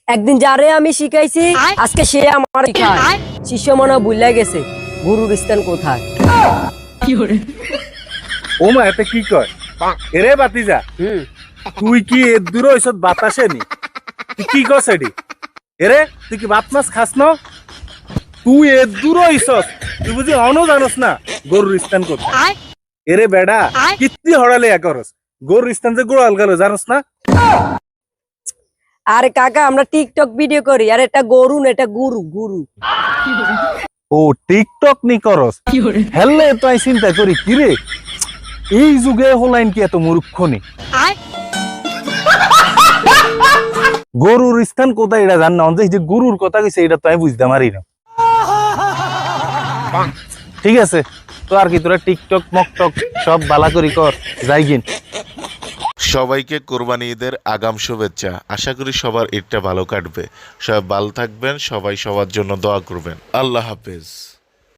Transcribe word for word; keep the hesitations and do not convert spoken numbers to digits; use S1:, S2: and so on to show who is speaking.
S1: একদিন যারে আমি শিখাইছি আজকে সে আমার শিখায়। শিষ্য মনে ভুলে গেছে গুরুর স্থান কোথায়।
S2: ও মা এতে কি কয় এরে বাতিজা
S1: হুম
S2: তুই কি এর দূর ওইসব বাতাসে নি তুই কি কস এডি এরে তুই কি ভাত মাছ খাস না তুই এর দূর ওইসব তুই বুঝি অন জানোস না গরুর স্থান কোথায় এরে বেডা কিত্তি হড়ালে করস গরুর স্থান যে গোড়াল গেল জানোস না
S1: আরে কাকা আমরা টিকটক ভিডিও করি আর এটা গরু না এটা গুরু গুরু।
S2: ও টিকটক নি করস হেললে তো আমি চিন্তা করি কি রে এই যুগে হলাইন কি এত মূর্খ নি গরুর স্থান কোথায় এটা জান না এই যে গরুর কথা কইছে এটা তো আমি বুঝতে পারি না। ঠিক আছে তো আর কি তোরা টিকটক মকটক সব বালা করি কর যাই গিন।
S3: সবাইকে কোরবানি ঈদের আগাম শুভেচ্ছা। আশা করি সবার ঈদটা ভালো কাটবে। সবাই ভালো থাকবেন, সবাই সবার জন্য দোয়া করবেন। আল্লাহ হাফেজ।